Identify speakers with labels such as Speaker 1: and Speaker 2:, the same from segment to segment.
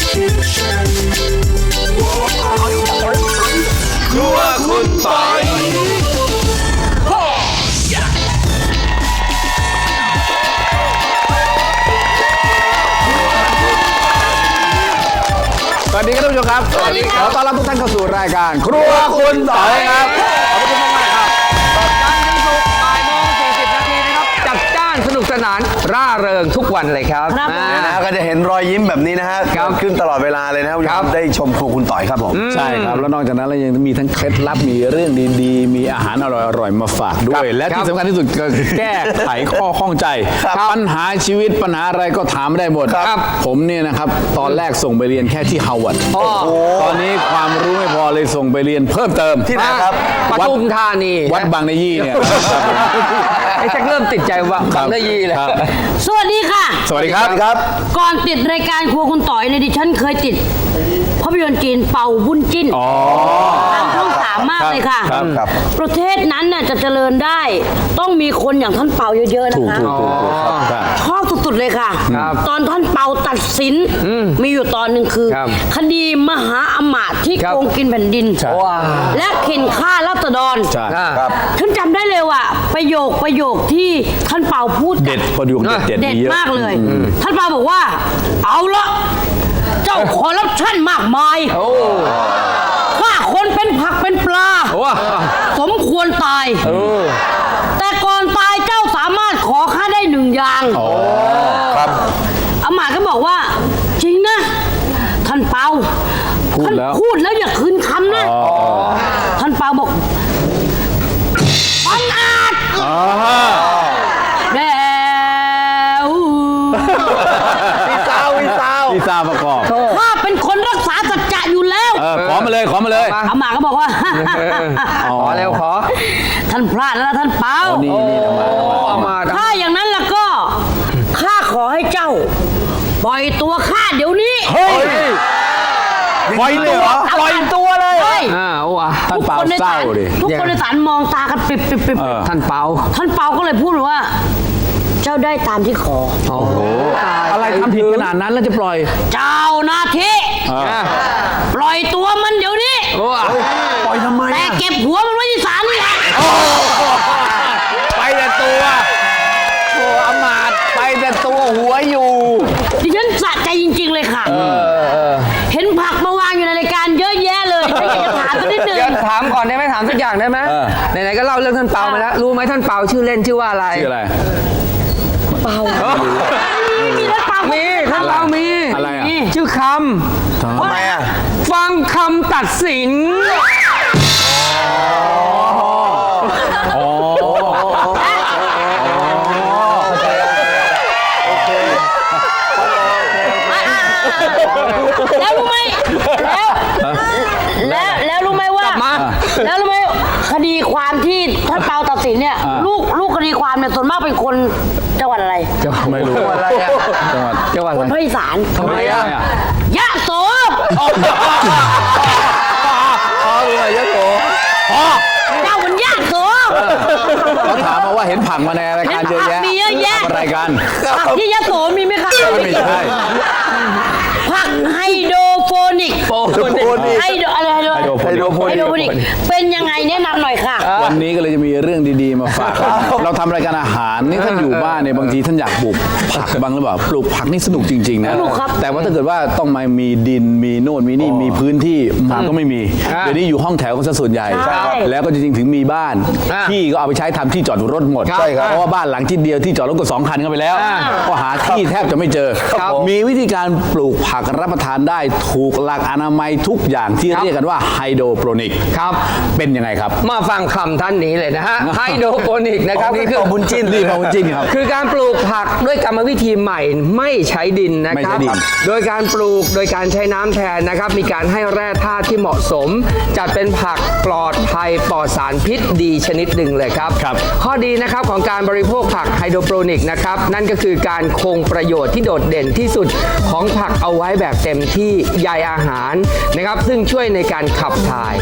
Speaker 1: ครัวคุณปอย
Speaker 2: สวัสดีครับท่านผู้ชมครับสวัสดีครับขอต้อนรับทุกท่านเข้าสู่รายการครัวคุณปอยครับขอบคุณมากๆครับ
Speaker 3: จันทร์ถึงศุกร์บ่ายโมง40 นาทีนะครับจัดจ้านสนุกสนานร่าเริงทุกวันเลยครับ
Speaker 1: เนี่ยนะก็จะเห็นรอยยิ้มแบบนี้นะฮะขึ้นตลอดเวลาเลยนะครับได้ชมครัวคุณต่อยครับผม
Speaker 2: ใช่ครับแล้วนอกจากนั้นเรายังมีทั้งเคล็ดลับมีเรื่องดีๆมีอาหารอร่อยๆมาฝากด้วย และที่สำคัญที่สุดก็แก้ไขข้อข้องใจปัญหาชีวิตปัญหาอะไรก็ถามได้หมดผมเนี่ยนะครับตอนแรกส่งไปเรียนแค่ที่ฮาร์วาร์ดตอนนี้ความรู้ไม่พอเลยส่งไปเรียนเพิ่มเติม
Speaker 1: ที่ไหนครับ
Speaker 3: ปทุมธานี
Speaker 2: วัดบางนยี่เนี่ย
Speaker 3: ไอ้แจ็คเริ่มติดใจว่าบางนยี่เลย
Speaker 4: สวัสดีค่ะ
Speaker 2: สวัสดีครับ
Speaker 1: ครับ
Speaker 4: ก่อนติดรายการครัวคุณต่อยในยดิฉันเคยติดภาพยนตร์จีนเป่าบุญจิ้นทางช่อง3 มากเลยค่ะ
Speaker 1: ครับ
Speaker 4: ประเทศนั้นน่ะจะเจริญได้ ต้องมีคนอย่างท่านเป่าเยอะๆนะคะ
Speaker 2: ถูกครับ
Speaker 4: ชอบสุดๆเลยค่ะ ตอนท่านเป่าตัดสินมีอยู่ตอนหนึ่งคือ คดีมหาอมาตย์ที่โกงกินแผ่นดิน และเข็นฆ่าราษฎร
Speaker 2: ใช่
Speaker 1: ครับ
Speaker 4: ฉันจำได้เลยว่าประโยคที่ท่านเป่าพูดกับ
Speaker 2: เด็ดประโยคเด็ด
Speaker 4: เด็ด
Speaker 2: มีเยอะ
Speaker 4: มากเลย ท่านเปาบอกว่า เอาละเจ้าคอร์รัปชันมากมายฆ่าคนเป็นผักเป็นปลา สมควรตาย แต่ก่อนตายเจ้าสามารถขอข้าได้1 อย่าง
Speaker 1: ครับ
Speaker 4: อามาตย์ก็บอกว่า จริงนะ ท่านเปา
Speaker 2: พูด
Speaker 4: ท่าน
Speaker 2: แล้ว
Speaker 4: พูดแล้วอย่าคืนคำนะ ท่านเปาบอกบังอาจแล้ว
Speaker 1: วิซาว
Speaker 2: พี่ซาประกอบ
Speaker 4: ข้าเป็นคนรักษาสัจจะอยู่แล้ว
Speaker 2: ขอมาเลยขอมาเลย
Speaker 4: อามาก็บอกว่า
Speaker 3: ขอเร็วขอ
Speaker 4: ท่านพลาดแล้วนะท่านเปา
Speaker 2: นี่ทำมา
Speaker 4: ถ้าอย่างนั้นล่ะก็ข้าขอให้เจ้า ปล่อยตัวข้าเดี๋ยวนี้
Speaker 2: เฮ้ยปล่อยตัวปล่อยตัวเลย
Speaker 4: ใช่
Speaker 2: ท่านเปาเศร้าดิ
Speaker 4: ทุกคนในศาลมองตากันปิบ
Speaker 3: ท่านเปา
Speaker 4: ท่านเปาก็เลยพูดว่า เจ้าได้ตามที่ขอ
Speaker 2: อะไรทำผิดขนาดนั้นแล้วจะปล่อย
Speaker 4: เจ้าหน้าที่ปล่อยตัวมันเดี๋ยวนี้
Speaker 1: ปล่อยทำไม
Speaker 4: แต่เก็บหัวมันไว้ที่ศาลนี่แหละ
Speaker 2: ไปแต่ตัวโอ้อมาตย์ไปแต่ตัวหัวอยู่
Speaker 4: ดิฉันสะใจจริงๆเลยค่ะเห็นผักมาวางอยู่ในรายการเยอะแยะเลยฉันอยากจะถามสักนิดนึง
Speaker 3: เดี๋ยวถามก่อนได้ไหมถามสักอย่างได้ไหมไหนๆก็เล่าเรื่องท่านเปามาแล้วรู้ไหมท่านเปาชื่อเล่นชื่อว่าอะไร
Speaker 2: ชื่ออะไร
Speaker 4: มีท่านเปา
Speaker 3: มีท่านเปามี
Speaker 2: อะไรอ่ะ
Speaker 3: ชื่อค
Speaker 1: ทำไมอ่ะ
Speaker 3: ำฟังคำตัดสิน
Speaker 4: แล้วรู้ไหมแล้วรู้ไหมว่า แล้วรู้ไหมคดีความที่ท่านเปาตัดสินเนี่ยลูกคดีความเนี่ยส่วนมากเป็นคนจังหวัดอะไร
Speaker 2: ไม่รู้อะไรอ่ะจังหวัด
Speaker 4: คนภาคอีสาน
Speaker 2: ทำไมอ่ะ
Speaker 4: ยะโส
Speaker 2: ยะโส
Speaker 4: เจ้ามันยะโส
Speaker 2: เขาถามมาว่าเห็นผักมาในรายการเยอะแยะ
Speaker 4: มีเยอะแยะ
Speaker 2: ทำอะไรกัน
Speaker 4: ผักที่ยะโสมีไหมคะ
Speaker 2: ไม่ใช่
Speaker 4: ผักไฮโดรโฟนิกไฮโดรอะไรไฮโดรโฟนิกเป็นยังไงแนะนำหน่อยค่ะ
Speaker 2: วันนี้ก็เลยจะมีเรื่องดีๆมาฝากเราทำรายการอาหารนี่ท่านอยู่บ้านเนี่ยบางทีท่านอยากปลูกผักบ้างหรือเปล่าปลูกผักนี่สนุกจริงๆนะ
Speaker 4: สนุกครับ
Speaker 2: แต่ว่าถ้าเกิดว่าต้องมามีดินมีโน่นมีนี่มีพื้นที่มันก็ไม่มีเดี๋ยวนี้อยู่ห้องแถวกันซะส่วนใหญ่ แล้วก็จริงๆถึงมีบ้านที่ก็เอาไปใช้ทำที่จอดรถหมด
Speaker 1: ใช่ครับ
Speaker 2: เพราะว่าบ้านหลังที่เดียวที่จอดรถก็2 คันเข้าไปแล้วก็หาที่แทบจะไม่เจอ มีวิธีการปลูกผักรับประทานได้ถูกหลักอนามัยทุกอย่างที่เรียกกันว่าไฮโดรโปรนิก
Speaker 3: ครับ
Speaker 2: เป็นยังไงครับ
Speaker 3: มาฟังคำท่านนี้เลยนะฮะไฮโดรโปนิกนะครับ
Speaker 1: นี่
Speaker 3: คื
Speaker 1: คือบุญจิ้น
Speaker 2: นี่ของจริงครับ
Speaker 3: คือการปลูกผักด้วยกรรมวิธีใหม่ไม่ใช้ดินนะ
Speaker 2: ไม่
Speaker 3: ค
Speaker 2: ใช้
Speaker 3: รับ
Speaker 2: ดิน
Speaker 3: โดยการปลูกโดยการใช้น้ำแทนนะครับ มีการให้แร่ธาตุที่เหมาะสม จัดเป็นผักปลอดภัยปลอดสารพิษดีชนิดหนึ่งเลยครับ ข้อดีนะครับของการบริโภคผักไฮโดรโปนิกนะครับนั่นก็คือการคงประโยชน์ที่โดดเด่นที่สุดของผักเอาไว้แบบเต็มที่ใยอาหารนะครับซึ่งช่วยในการขับถ่าย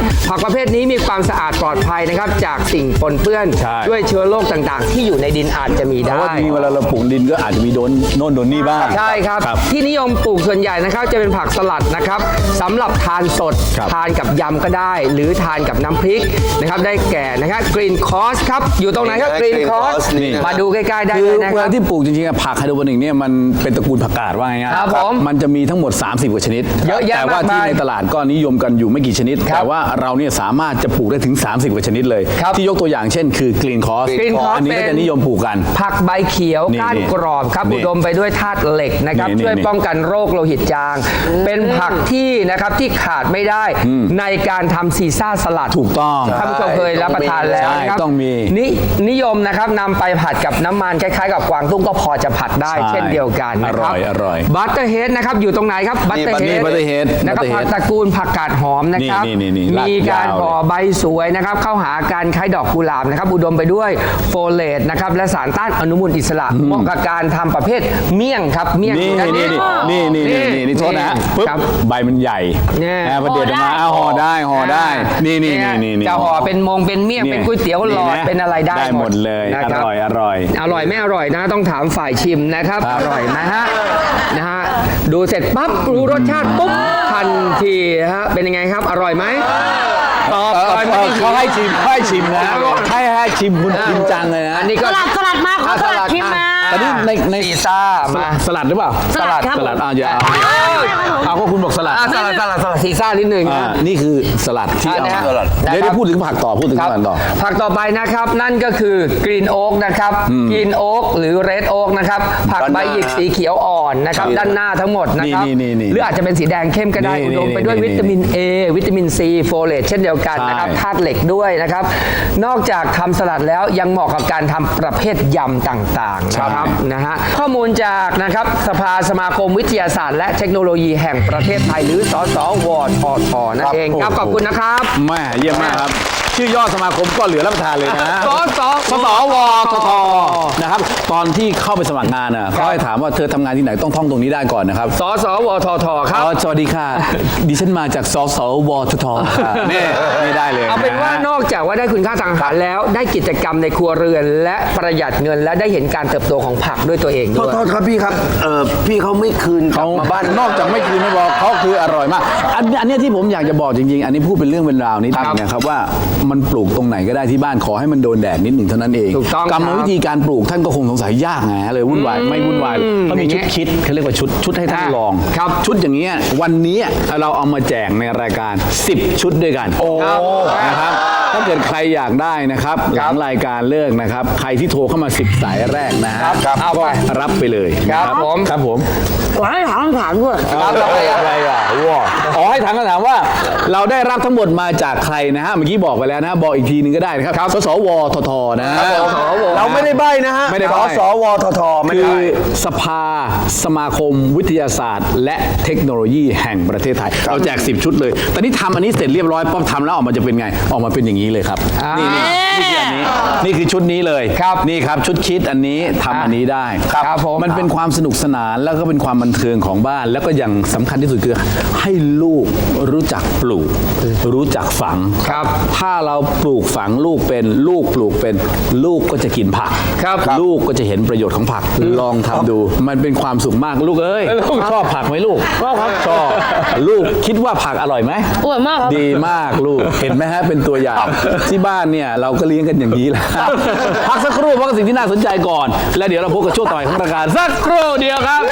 Speaker 3: ผักประเภทนี้มีความสะอาดปลอดภัยนะครับจากสิ่งปนเปื้อน
Speaker 2: ใช่
Speaker 3: ด้วยเชื้อโรคต่างๆ ที่อยู่ในดินอาจจะมี
Speaker 2: เพ
Speaker 3: ได้
Speaker 2: ราะว่าจริงๆเวลาเราปลูกดินก็อาจจะมีโดนโน่นโดนนี่บ้าง
Speaker 3: ใช่ครับ ที่นิยมปลูกส่วนใหญ่นะครับจะเป็นผักสลัดนะครับสำหรับทานสด
Speaker 2: ครับ
Speaker 3: ทานกับยำก็ได้ หรือทานกับน้ำพริกนะครับได้แก่นะครับกรีนคอสครับอยู่ตรงไหนครับกรีน
Speaker 1: Green
Speaker 3: คอส
Speaker 1: Cross นี่นะ
Speaker 3: มาดูใกล้ๆได้
Speaker 2: คื
Speaker 3: เล
Speaker 2: อย
Speaker 3: นะ
Speaker 2: เว
Speaker 3: ครั
Speaker 2: ลา
Speaker 3: บ
Speaker 2: ที่ปลูกจริงๆอะผักไฮโดรโปนิกเนี่ยมันเป็นตระกูลผักกาดว่าง่ายๆ
Speaker 3: ครับผม
Speaker 2: มันจะมีทั้งหมด 30 กว่าชนิด
Speaker 3: เยอะแยะ
Speaker 2: แต่ว่าที่
Speaker 3: มากมาย
Speaker 2: ในตลาดก็นิยมกันอยู่ไม่กี่ชนิด
Speaker 3: ครับ
Speaker 2: แต่ว่าเราเนี่ยสามารถจะปลูกได้ถึง 30 กว่าชนิดเลย
Speaker 3: ครับ
Speaker 2: ที่ยกตัวอย่างเช่นคือกรีนคอส
Speaker 3: Green Cross
Speaker 2: อันนี้ก็
Speaker 3: เป็
Speaker 2: จะ
Speaker 3: น
Speaker 2: นิยมปลูกกัน
Speaker 3: ผักใบเขียว
Speaker 2: นี่
Speaker 3: ก้านกรอบครับ
Speaker 2: นี่
Speaker 3: อุดมไปด้วยธาตุเหล็กนะครับ
Speaker 2: นี่
Speaker 3: ช่วย
Speaker 2: นี่
Speaker 3: ป้องกันโรคโลหิตจาง เป็นผักที่นะครับที่ขาดไม่ได้ในการทำซีซ่าสลัด
Speaker 2: ถูกต้อง
Speaker 3: ท่านผู้ชมเคยรับประทานแล้ว
Speaker 2: ใช่
Speaker 3: นะครับ
Speaker 2: ต้องมี
Speaker 3: นิยมนะครับนำไปผัดกับน้ำมันคล้ายๆ กับกวางตุ้งก็พอจะผัดได้
Speaker 2: ใช่
Speaker 3: เช่นเดียวกันนะครับ
Speaker 2: อร่อย
Speaker 3: บัตเตอร์เฮดนะครับอยู่ตรงไหนครับบัตเตอร์เฮด
Speaker 2: Butterhead
Speaker 3: นะครับ
Speaker 2: Butterhead
Speaker 3: ผักตระกูลผักกาดหอมนะครับ
Speaker 2: นี่ลาก
Speaker 3: มีการ
Speaker 2: ยาวเลย
Speaker 3: ห่อใบสวยนะครับเข้าหาการคล้ายดอกกุหลาบนะครับอุดมไปด้วยโฟเลตนะครับและสารต้านอนุมูลอิสระเหมาะกับการทำประเภทเมี่ยงครับเมี่ยง
Speaker 2: นี่
Speaker 3: อยู่ด้าน
Speaker 2: นี่โทษนะฮะปึ๊บ
Speaker 3: ครับ
Speaker 2: ใบมันใหญ่
Speaker 3: เนี่ย
Speaker 2: นะพอเด็ดออกมาห่อได้นี่
Speaker 3: จะห่อเป็นมงเป็นเมี่ยงเป็นก๋วยเตี๋ยวหลอดเป็นอะไรได้
Speaker 2: หมดเลย
Speaker 3: นะครับ
Speaker 2: อร่อย
Speaker 3: อร่อยไม่อร่อยนะต้องถามฝ่ายชิมนะครับ
Speaker 2: ครับ
Speaker 3: อร่อยนะฮะดูเสร็จปั๊บรู้รสชาติปุ๊บทันทีฮะเป็นยังไงครับอร่อยไหมตอบอร่อยไหม
Speaker 2: เขาให้ชิมนะให้ชิมคุณจริงจังเลยนะ
Speaker 3: อันนี้
Speaker 4: ส
Speaker 3: ก็
Speaker 4: ลัดมาขอสลัดชิมมา
Speaker 2: แต่นี่ใน
Speaker 3: ซีซ่ามา
Speaker 2: สลัดหรือเปล่า
Speaker 4: สลัดครับ
Speaker 2: สลัดอย่าเอาก็คุณบอกสลัด
Speaker 3: สลัดซีซ่านิดหนึ่งนะ
Speaker 2: นี่คือสลัดที่เอา
Speaker 3: อันนี้
Speaker 2: มา
Speaker 3: ฮะ
Speaker 2: เดี๋ยวพูดถึงผักต่อพูดถึง
Speaker 3: ครับ
Speaker 2: ผักต่อ
Speaker 3: ผักต่อไปนะครับนั่นก็คือกรีนโอ๊กนะครับกรีนโอ๊กหรือเรดโอ๊กนะครับผักใบหยิกสีเขียวอ่อนนะครับด้านหน้าทั้งหมดนะครับ
Speaker 2: นี่
Speaker 3: หรืออาจจะเป็นสีแดงเข้มก็ได้
Speaker 2: นี่
Speaker 3: อุดมไปด้วย
Speaker 2: นี่
Speaker 3: วิตามิน A วิตามิน C โฟเลตเช่นเดียวกันนะครับ
Speaker 2: ใช่
Speaker 3: ธาตุเหล็กด้วยนะครับนอกจากทำสลัดแล้วยังเหมาะกับการทำประเภทยำต่างๆนะครับนะฮะข้อมูลจากนะครับสภาสมาคมวิทยาศาสตร์และเทคโนโลยีแห่งประเทศไทยหรือสสวททนั่นเองครับขอบคุณนะครับ
Speaker 2: แม่เยี่ยมมากครับ ชื่อย่อสมาคมก็เหลือรับประทานเลยนะ
Speaker 3: สส
Speaker 2: สสวททนะครับตอนที่เข้าไปสมัครงานน่ะเขาให้ถามว่าเธอทำงานที่ไหนต้องท่องตรงนี้ได้ก่อนนะครับ
Speaker 3: สสวททครับ
Speaker 2: สวัสดีค่ะ ดิฉันมาจากสสวททค่ะนี่ไม่ได้เลย
Speaker 3: เอาเป็นว่านอกจากว่าได้คุณค่าทางอาหารแล้วได้กิจกรรมในครัวเรือน และประหยัดเงินและได้เห็นการเติบโตของผักด้วยตัวเอง
Speaker 1: โท
Speaker 3: ด้
Speaker 1: ษ
Speaker 3: วย
Speaker 1: โทษครับพี่ครับพี่เขาไม่คืนกลั
Speaker 2: เขา
Speaker 1: บมาบ้าน
Speaker 2: นอกจากไม่คืนไม่บอกเขาคืออร่อยมากอันเนี้ยที่ผมอยากจะบอกจริงๆ อันนี้พูดเป็นเรื่องเป็นราวนิดนึงนะครับว่ามันปลูกตรงไหนก็ได้ที่บ้านขอให้มันโดนแดดนิดหนึ่งเท่านั้นเอง
Speaker 3: ถูกต้อง
Speaker 2: กรรมวิธีการปลูกท่านก็คงสงสัยยากไงเลยวุ่นวายไม่วุ่นวายเขามีชุดคิดเขาเรียกว่าชุดให้ท่านลอง
Speaker 3: ครับ
Speaker 2: ชุดอย่างเงี้ยวันนี้เราเอามาแจกในรายการ 10 ชุดด้วยกันนะครับถ้าเกิดใครอยากได้นะครับหลังรายการเลิกนะครับใครที่โทรเข้ามา10 สายแรกนะฮะ
Speaker 3: ครับเอาไป
Speaker 2: ก็รับไปเลย
Speaker 3: ครับ
Speaker 2: นะ
Speaker 3: ผม
Speaker 2: ครับผม
Speaker 4: ขอให้ถามคำถามด้วย
Speaker 2: อะไรอ่ะว้าอ๋อให้ถามคำถามว่า เราได้รับทั้งหมดมาจากใครนะฮะเมื่อกี้บอกไปแล้วนะบอกอีกทีนึงก็ได้นะครับสสวททนะ
Speaker 1: เราไม่ได้ใบ้นะฮะ
Speaker 2: ไม่ได้ใบ้
Speaker 1: สวททไม่
Speaker 2: คื
Speaker 1: ได้
Speaker 2: อสภาสมาคมวิทยาศาสตร์ และเทคโนโลยีแห่งประเทศไทย เราแจก 10 ชุดเลย ตอนนี้ทำอันนี้เสร็จเรียบร้อยป๊อบทำแล้วออกมาจะเป็นไง ออกมาเป็นอย่างนี้เลยครับนี่คืออันนี้นี่คือชุดนี้เลย
Speaker 3: ครับ
Speaker 2: นี่ครับชุดคิดอันนี้ทำอันนี้ได้
Speaker 3: ครับผม
Speaker 2: มันเป็นความสนุกสนานแล้วก็เป็นความบันเทิงของบ้าน แล้วก็อย่างสำคัญที่สุดคือให้ลูกรู้จักปลูก รู้จักฝัง
Speaker 3: ครับ
Speaker 2: ถ้าเราปลูกฝังลูกเป็นลูกปลูกเป็นลูกก็จะกินผัก
Speaker 3: ครับ
Speaker 2: ลูกก็จะเห็นประโยชน์ของผัก ลองทำดู มันเป็นความสุขมากลูกเอ้ยชอบผักไหมลูกชอบครับชอบลูกคิดว่าผักอร่อยไหม
Speaker 4: อร่อยมากครับ
Speaker 2: ดีมากลูกเห็นไหมฮะเป็นตัวอย่างที่บ้านเนี่ยเราก็เลี้ยงกันอย่างนี้แหละพักสักครู่เพราะสิ่งที่น่าสนใจก่อน แล้วเดี๋ยวเราพบกับช่วงต่อไปของรายการสักครู่เดียวครับ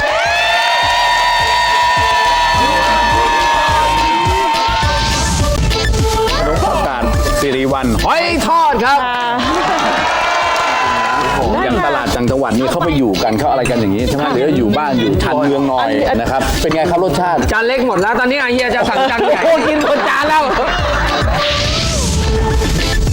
Speaker 2: ขนมผักกาดสิริวัลย์หอยทอดครับอย่างตลาดจังจังหวัดนี่เขาไปอยู่กันเขาอะไรกันอย่างนี้ใช่ไหมหรืออยู่บ้านอยู่ชานเมืองหน่อยนะครับเป็นไงครับรสชาติ
Speaker 3: จานเล็กหมดแล้วตอนนี้อาเฮียจะสั่งจานใหญ่
Speaker 2: โอ้กินคนจานแล้ว